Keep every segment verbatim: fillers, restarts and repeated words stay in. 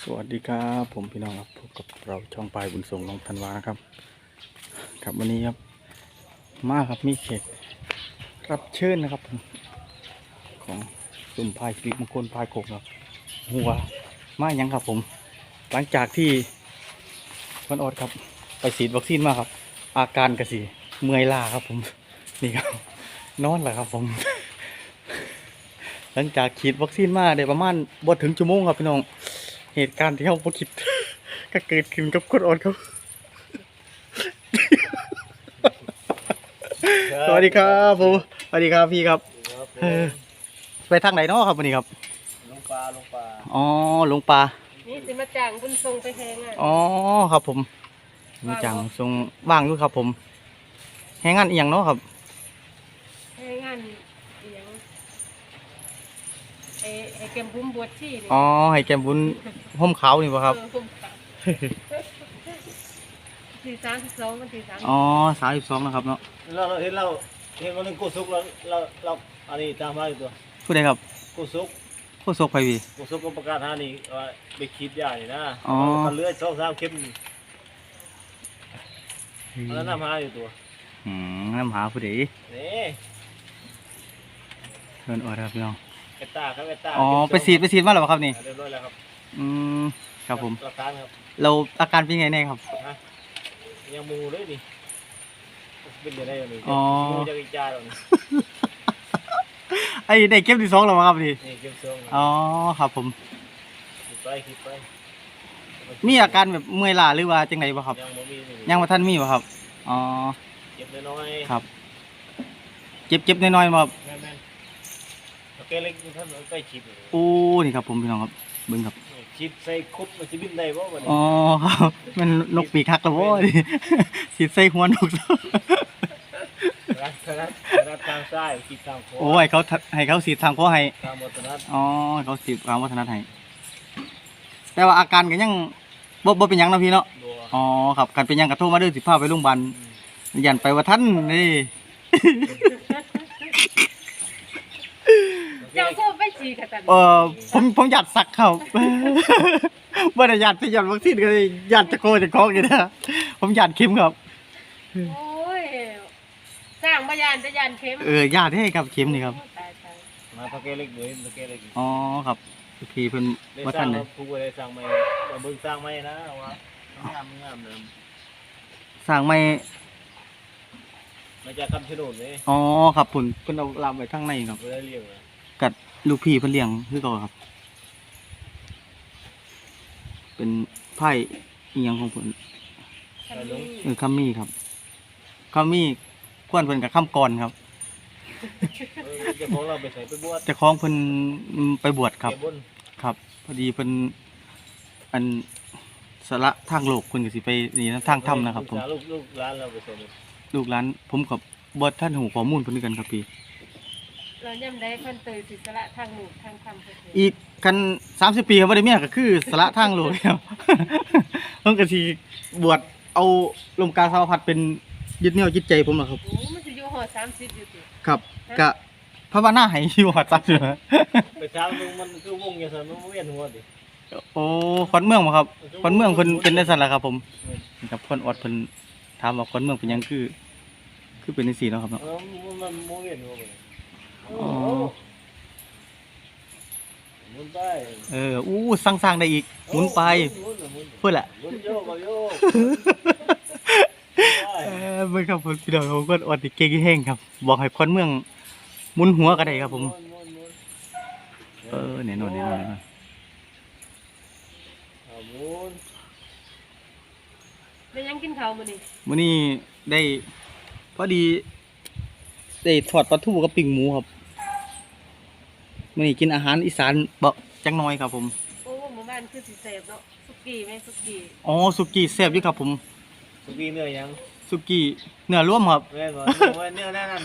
สวัสดีครับผมพี่น้องครับพบกับเราช่องปลายบุญส่งน้องธันวานะครับครับวันนี้ครับมาครับมีเขตรับเชิญนะครับผมของซุ่มพายสิริมงคลพายโขงครับหัวมายังครับผมหลังจากที่วันออดครับไปฉีดวัคซีนมาครับอาการกระสีเมื่อยล้าครับผมนี่ครับนอนแหละครับผม หลังจากฉีดวัคซีนมาได้ประมาณบ่ถึงชั่วโมงครับพี่น้องเหตุการณ์ที่เราบ่คิด ก็เกิดขึ้นกับคนอ่อนครับ สวัสดีครับผมสวัสดีครับพี่ครับเออไปทางไหนเนาะครับวันนี้ครับลงปลาลงปลาอ๋อลงปลานี่สิมาจ้างบุญทรงไปแหงอ่ะอ๋อครับผมมีจังทรงว่างด้วยครับผมแหงงานอีหยังเนาะครับแหงงานอีหยังไอ้ไอ้แกมบุ้มบวชชีนี่อ๋อให้แกมบุญห่มขาวนี่ป่ะครับเออผมกลับสี่สามสิบสองมันสี่สามอ๋อสามสิบสองนะครับเนาะเราเราเห็นเราเห็นวันนึงกูซุกเราเราเราอันนี้ตามมาอยู่ตัวผู้ใดครับกูซุกโคศกไปพี่กูซุกก็ประกาศหานี่ว่าไปคิดยานี่นะอ๋อมันเลือดสองสามเข็มอันนั้นน้ำหาอยู่ตัวอืมน้ำหาผู้ใดนี่เพิ่นออดครับพี่น้องเอตตาครับเอตตาอ๋อไปฉีดไปฉีดมาแล้วครับนี่เรียบร้อยแล้วครับอืมครับผมหลักฐานครับเราอาการเป็นไงแน่ครับยังมูเลยนี่เป็นยังไงนี่อ๋อมูจะกิจาหรอไอ้ได้เก็บที่สองแล้วครับนี่นี่เก็บซองอ๋อครับผมคิดไปคิดไปมีอาการแบบเมื่อยล้าหรือว่าจังไดบ่ครับยังบ่มียังบ่ทันมีบ่ครับอ๋อเจ็บน้อยครับเจ็บเจ็บน้อยๆบ่ครับแม่นๆโอเคเล็กท่านใกล้ชิดโอ้นี่ครับผมพี่น้องครับเบิ่งครับชิดใส่คุบมันสิบินได้บ่บัดนี้อ๋อครับมันนกปีกหักแล้วบ่ดิสิใส่หัวนกรัดรัดรัดทางซ้ายขีดทางขวาโอ้ยเขาให้เขาสีดทางคอให้ทางวัฒนธรรมอ๋อเขาสีดทางวัฒนธรรมให้แต่ว่าอาการก็ยังบ่บ่เป็นหยังนะพี่เนาะอ๋อครับคันเป็นหยังก็โทรมาเด้อสิพาไปโรงพยาบาลยันไปว่าท่านนี่เจ้าก็ไปฉีดกันตันเออผมผมอยากสักเขาบ่ได้อยากสิอยากวัคซีนก็อยากจะโกจะคอกอยู่นะผมอยากเข็มครับโอ้ยสร้างพยานจะยานเข็มเอออยากให้ครับเข็มนี่ครับมาตะเกียเล็กเลยตะเกียเล็กอ๋อครับพี่เพิ่นว่าท่านเลยผู้ใดสร้างใหม่บ่เบิ่งสร้างใหม่นะว่างามงามเด้อสร้างไม่มาจากคำชะโนดนี่อ๋อครับเพิ่นเพิ่นเอาลามไว้ข้างในครับบ่ได้เลี้ยงนะกัดลูกพี่เพิ่นเลี้ยงคือเก่าครับเป็นไผ่อีหยังของเพิ่นเออคัมมี่ครับคัมมี่ควนเพิ่นกับค่ำก่อนครับเจ้าของเราไปใส่ไปบวชเจ้าของเพิ่นไปบวชครับครับพอดีเพิ่นอันสละทางโลกเพิ่นก็สิไปนี่ทางธรรมนะครับผมลูกลูกหลานเราไปใส่ลูกหลานผมกับบ่ท่านหูข้อมูลเพิ่นกันครับพี่เราย่ำได้เพิ่นเตยสิสละทางหนูทางธรรมอีกกันสามสิบปีครับบ่ได้เมียก็คือสละทางโลกครับเพิ่นก็สิบวชเอาลมกาสาวพัดเป็นยึดเหนี่ยวจิตใจผมล่ะครับโอ้มันสิอยู่ฮอดสามสิบอยู่ติครับก็ภาวนาให้อยู่ฮอดสามสิบไปถามมึงมันคือวงจังซั่นมันเวียนหัวดิโอ้คนเมืองบ่ครับคนเมืองเพิ่นเป็นจังซั่นล่ะครับผมกับคนอดเพิ่นถามว่าคนเมืองเป็นหยังคือคือเป็นจังซี่เนาะครับเนาะเออมันมันเวียนหัวบ่อ๋อหมุนไปเอออู้สร้างๆได้อีกหมุนไปเพิ่นล่ะหมุนโยกโยกเออเบิ่งครับพี่น้องผมก็อดเก่งแห้งครับบอกให้คนเมืองหมุนหัวก็ได้ครับผมเออแน่นอนแน่นอนได้ยังกินข้าวมื้อนี้มื้อนี้ได้พอดีได้ทอดปลาทูกับปิ้งหมูครับมื้อนี้กินอาหารอีสานบ่จังน้อยครับผมโอ้หมู่บ้านคือสิแซ่บเนาะสุกี้แม่สุกี้อ๋อสุกี้แซ่บอยู่ครับผมสุกี้เนื้อยังสุกี้เนื้อรวมครับแม่นบ่เนื้อแน่นั่น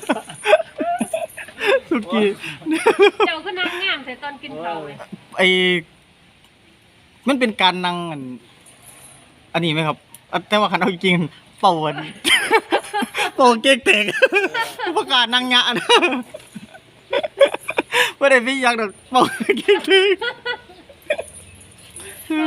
สุกี้เจ้าก็นั่งงามแต่ตอนกินข้าวเลยไอ้มันเป็นการนั่งอันอันนี้ไหมครับแต่ว่าคันเอาจริงเป่าอันเป่าเก๊กแตกประกาศนั่งงะนะไม่ได้พี่อยากดอกเป่าเก๊กแตก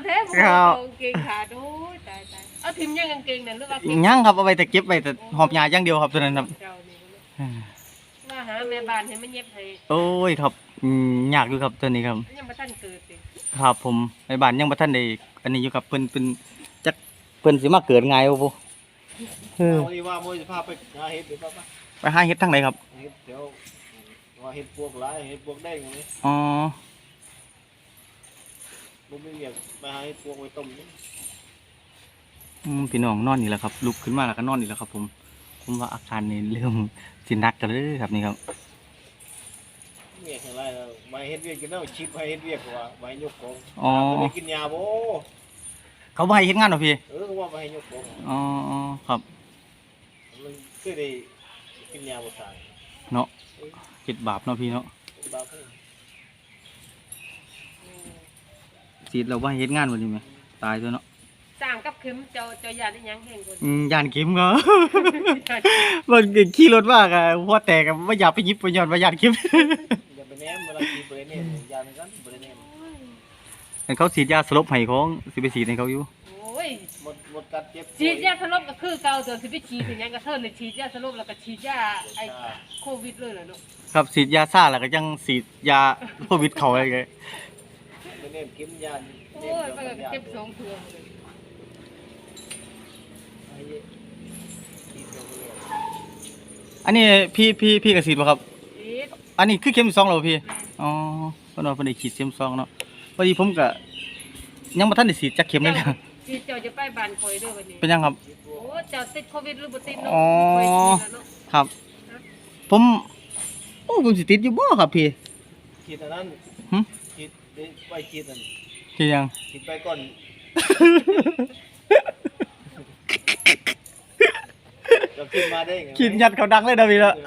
แท้บ่เอากางเกงขาดโอ้ยตายตายเอาทิมยังกางเกงนั่นหรือว่าเก็บยังครับเอาไว้แต่เก็บไว้แต่หอบยาอย่างเดียวครับตัวนั้นครับเจ้านี่บ่เนาะว่าหาแม่บ้านให้มันเย็บให้โอ้ยครับอืมยากอยู่ครับตัวนี้ครับยังบ่ทันเกิดติครับผมในบ้านยังบ่ทันได้อันนี้อยู่ครับเพิ่นเพิ่นจักเพิ่นสิมาเกิดไงบ่บ่เออเอาดีว่าโมจะพาไปหาเห็ดหรือเปล่าปะไปหาเฮ็ดทางไหนครับเห็ดเดี๋ยวว่าเห็ดพวกหลายเห็ดพวกแดงอย่างนี้อ๋อบุ้มไม่เรียกไปหาเห็ดพวกไว้ต้มนี่อืมพี่น้องนอนนี่แหละครับลุกขึ้นมาแล้วก็นอนนี่แหละครับ ผมผมว่าอาการนี่เริ่มสิหนักกันเลยครับนี่ครับเรียกอะไรแล้วมาเห็ดเวียกกินแล้วชิปให้เห็ดเวียกว่ามาให้ยกของอ๋อไม่ได้กินยาโบเขาบ่ให้เฮ็ดงานเหรอพี่เออว่ามาให้ยกของอ๋อครับมันคือได้กินยาบุษายเนาะคิดบาปเนาะพี่เนาะบาปเพิ่นสิเราบ่ให้เฮ็ดงานบ่นี่แม่ตายตัวเนาะสร้างกับเข็มเจ้าเจ้าย่านอีหยังแห่งคนอืมย่านเข็มก็ มันขี่รถมากอ่ะหัวแตกอ่ะบ่อยากไปหยิบไปย้อนว่าย่านเข็มอย่าไปแนมเวลากินไปเนี่ยยาเหมือนกันไปแนมแต่เขาฉีดยาสลบให้ของสิไปฉีดให้เขาอยู่โอ้ยหมดหมดกัดเจ็บฉีดยาสลบก็คือเก่าตัวสิไปฉีดเป็นหยังก็เทิ่นเลยฉีดยาสลบแล้วก็ฉีดยาไอ้โควิดเลยเหรอลูกครับฉีดยาซ่าแล้วก็ยังฉีดยาโควิดเขาอะไรเงี้ยไปแนมกินยาโอ้ยมันก็เจ็บสองเทื่อเลยอันนี้พี่พี่พี่กระสีบ่ครับฉีดอันนี้คือเข็มที่สองแล้วบ่พี่ อ๋อเพิ่นว่าเพิ่นได้ฉีดเข็มสองเนาะพอดีผมก็ยังบ่ทันได้ฉีดจักเข็มเลยนะฉีดเจ้าจะไปบ้านคอยเด้อวันนี้เป็นยังครับโอ้เจ้าติดโควิดหรือบ่ติดเนาะอ๋อคอยฉีดแล้วเนาะครับ ผมโอ้ผมสิติดอยู่บ่ครับพี่คิดอันนั้นหึคิดไปคิดอันที่ยังคิดไปก่อนจะขึ้นมาได้ไงคิดยัดเขาดังเลยนะพี่เนาะ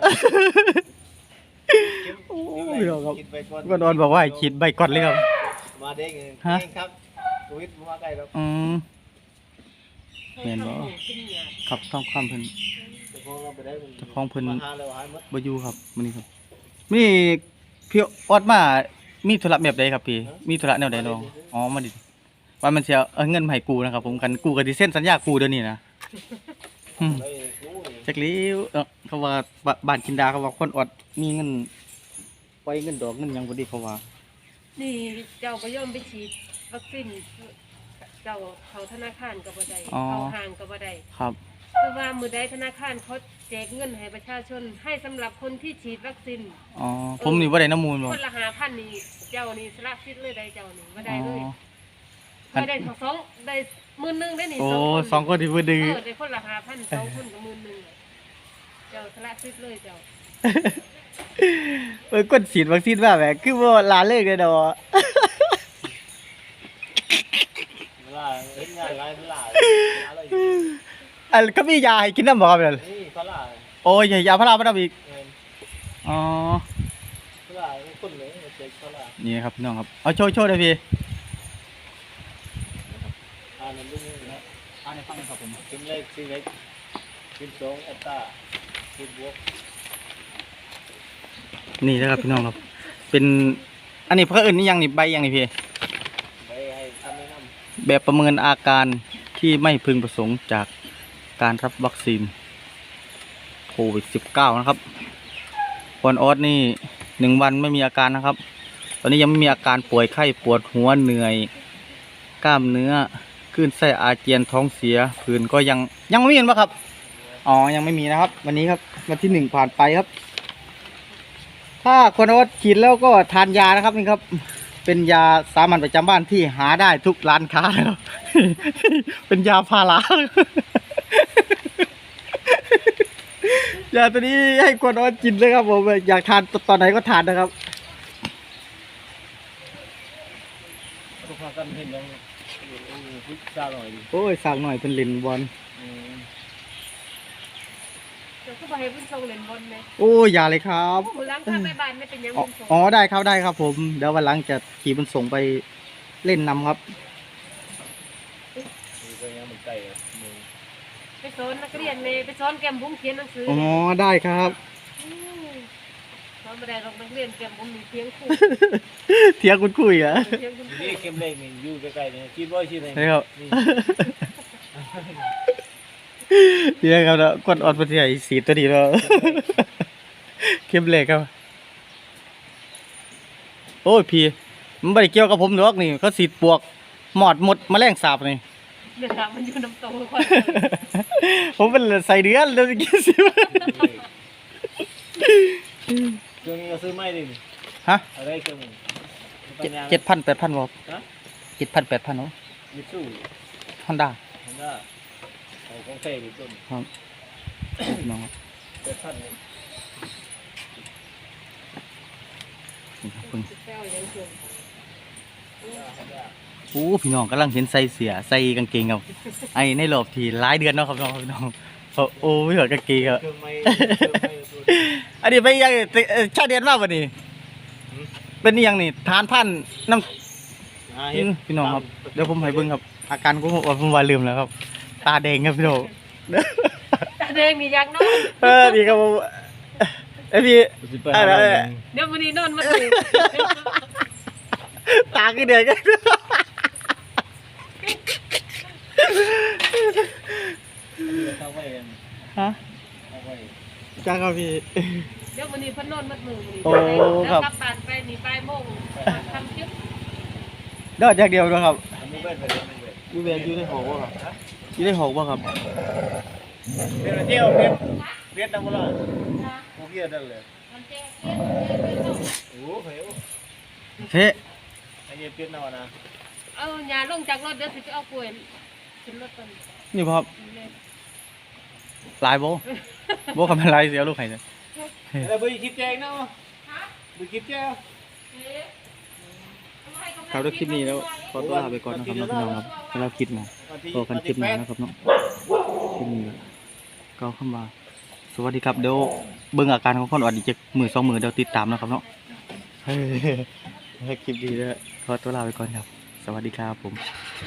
โอ้ยครับคิดไปก่อนก็นอนบอกว่าให้คิดใบก่อนเลยครับมาได้ไงฮะเองครับโควิดมาใกล้แล้วอืม แม่นบ่ขึ้นยาครับต้องความเพิ่นจะพ้องเราไปได้มันเจ้าของเพิ่นมาหาแล้วหายหมดบ่อยู่ครับมื้อนี้ครับมีพี่ออดมามีธุระแบบใดครับพี่ มีธุระแนวใดน้องอ๋อมาดิว่ามันสิเอาเงินมาให้กูนะครับ ผมกันกูก็สิเซ็นสัญญากูเดี๋ยวนี้นะอืมไปกู้นี่จักหลีวเอ้อเขาว่าบบ้านกินดาเขาว่าคนออดมีเงินไว้เงินดอกเงินหยังบ่ดีเขาว่านี่เจ้าก็ย่อมไปฉีดวัคซีนเจ้าเขาธนาคารก็บ่ได้เขาห้างก็บ่ได้ครับคือว่ามือใดธนาคารเขาแจกเงินให้ประชาชนให้สำหรับคนที่ฉีดวัคซีนอ๋อผมนี่บ่ได้น้ำมูลบ่คนละหาพันนี่เจ้านี่สละสิทธิ์เลยได้เจ้านี่บ่อ๋ได้เลยอไม่ได้สองได้หมื่นหนึงได้นี่โอ้สองคนสองคนที่บ่ดื้อเออได้คนละหาพันสองคนก็หมื่นหนึงเจ้าสละสิทธิ์เลยเจ้าเอ้ยกดฉีดวัคซีนมาแหมคือบ่ลาเลิกเลยดอกเวลาเห็นงานหลายเวลาหาอะไรอยู่อันก็มียาให้กินน้ำบ่ครับนั่นนี่เขาล่าโอ้ยยาพาราบ่ได้อีกเงินอ๋อเขาล่าคนเลยเจ๊เขาล่านี่ครับพี่น้องครับเอาโชว์โชว์เลยพี่อ่านนั่นด้วยนะอ่าในฟังครับผมกินเล็กกินเล็กกินสองแอตตากินบวกนี่นะครับพี่น้องครับ เป็นอันนี้เพื่ออื่นนี่ยังนี่ใบยังนี่พี่ไปให้ทำแนะนแบบประเมินอาการที่ไม่พึงประสงค์จากการรับวัคซีนโควิด สิบเก้า นะครับปอนออสนี่หนึ่งวันไม่มีอาการนะครับ ตอนนี้ยังไม่มีอาการป่วยไข้ปวดหัวเหนื่อย กล้ามเนื้อคลื่นไส้อาเจียนท้องเสียผื่นก็ยังยังไม่มีเห็นปะครับอ๋อยังไม่มีนะครับ วันนี้ครับวันที่หนึ่งผ่านไปครับ ถ้าคนออสฉีดแล้วก็ทานยานะครับนี่ครับ เป็นยาสามัญประจำบ้านที่หาได้ทุกร้านค้านะครับ เป็นยาพารา ยาตัวนี้ให้คนออสกินเลยครับผมอยากทานตอนไหนก็ทานนะครับำทุกคนกันเห็นยังพิซซ่าหน่อยดิโอ้ยสั่งหน่อยเป็นลินบอลอืมเจ้าก็บ่ให้เพิ่นส่งเล่นบอลแม่โอ้ยอย่าเลยครับมื้อหลังถ้าไปบ้านไม่เป็นหยังอ๋อเพิ่นส่งอ๋อได้ครับได้ครับผมเดี๋ยววันหลังจะขี่มันส่งไปเล่นนำครับมีก็ยังมันไก่อะมึงไปสอนนักเรียนแม่ไปสอนแก้มบุ้งเขียนหนังสืออ๋อได้ครับมสอนไม่ได้ลงนักเรียนเกมผมมีเพียงคู่เทียงคุณคุยอ่ะเพียงคุณนี่เข้มเล็กนี่อยู่ใกล้ๆนี่คิดว่าชื่ออะไรใช่ครับนี่เทียงครับแล้วกดออดมาที่ไหนสีตัวดีแล้วเข้มเหล็กครับโอ้ยพี่มันไม่ได้เกี่ยวกับผมหรอกนี่เขาสีดปวกหมอดหมดแมลงสาบนี่เดือดมันอยู่น้ำโตคนผมเป็นใส่เดือนแล้วกินสิเครื่องนี้ก็ซื้อไม่ดิฮะอะไรเครื่องมึงเจ็ดพันแปดพันบอกฮะเจ็ดพันแปดพันเนาะมิตซูฮอนด้าเห็นว่าเอาของเฟ่ดิต้นครับน้องครับเป็นท่านเลยนี่ครับเพิ่งแก้วยังเกินโอ้พี่น้องกำลังเห็นใส่เสียใส่กางเกงครับไอ้ในรอบที่หลายเดือนเนาะครับน้องพี่น้องโอ้โอ้ไม่เหมือนกางเกงครับเครื่องไม้เครื่องไม้ตัวนี้อันนี้ไปยังเอ่อชาเดียนมากกว่านี้เป็นอิหยังนี่ทานพันน้อ่าำเห็นพี่น้องครับเดี๋ยวผมให้เบิ่งครับ อาการผมว่าผมว่าลืมแล้วครับ ตาแดงครับพี่น้องตาแดงมียักษ์นอนเออดีครับผมไอยพี่สิไปหาเราเองเดี๋ยววันนี้นอนมาเลยตาคือแดงกันเข้าไว้เองฮะเข้าไว้จ้าครับพี่เดี๋ยววันนี้เพิ่นนอนมัดมือวันนี้โอ้แล้วครับกลับบ้านไปนี่บ่ายโมงทำจิ๊บเด้ออย่างเดียวนะครับอันนี้เบ็ดไปเลยไม่เบ็ดอยู่เวียนอยู่ในหอบ่ครับอยู่ในหอบ่ครับเบ็ดเที่ยวเบ็ดเบ็ดน้ำมันละกูเกียร์ได้เลยมันแจ้งเรียนเรียนเรียนเรียนโอ้โหเฮ้ยเฮ้ไอ้เนี่ยเบ็ดน้ำมันนะเอาหญ้าลงจากรถเดี๋ยวสิไปเอากล้วยขึ้นรถกันนี่บ่ครับลายบ่บ่คำเป็นลายเสียลูกไห้เนี่ยแล้วไปคิดแจงเนาะไปคิดแจงครับด้วยคลิปนี้แล้วขอตัวลาไปก่อนนะครับน้องพี่น้องครับสำหรับคลิปนะพบกันคลิปหน้านะครับเนาะคลิปนี้ก็เข้ามาสวัสดีครับเดี๋ยวเบิ่งอาการของคนอ่อนอีกจักมือสองมือเดี๋ยวติดตามนะครับเนาะเฮ้ยคลิปดีแล้วขอตัวลาไปก่อนครับ สวัสดีครับผม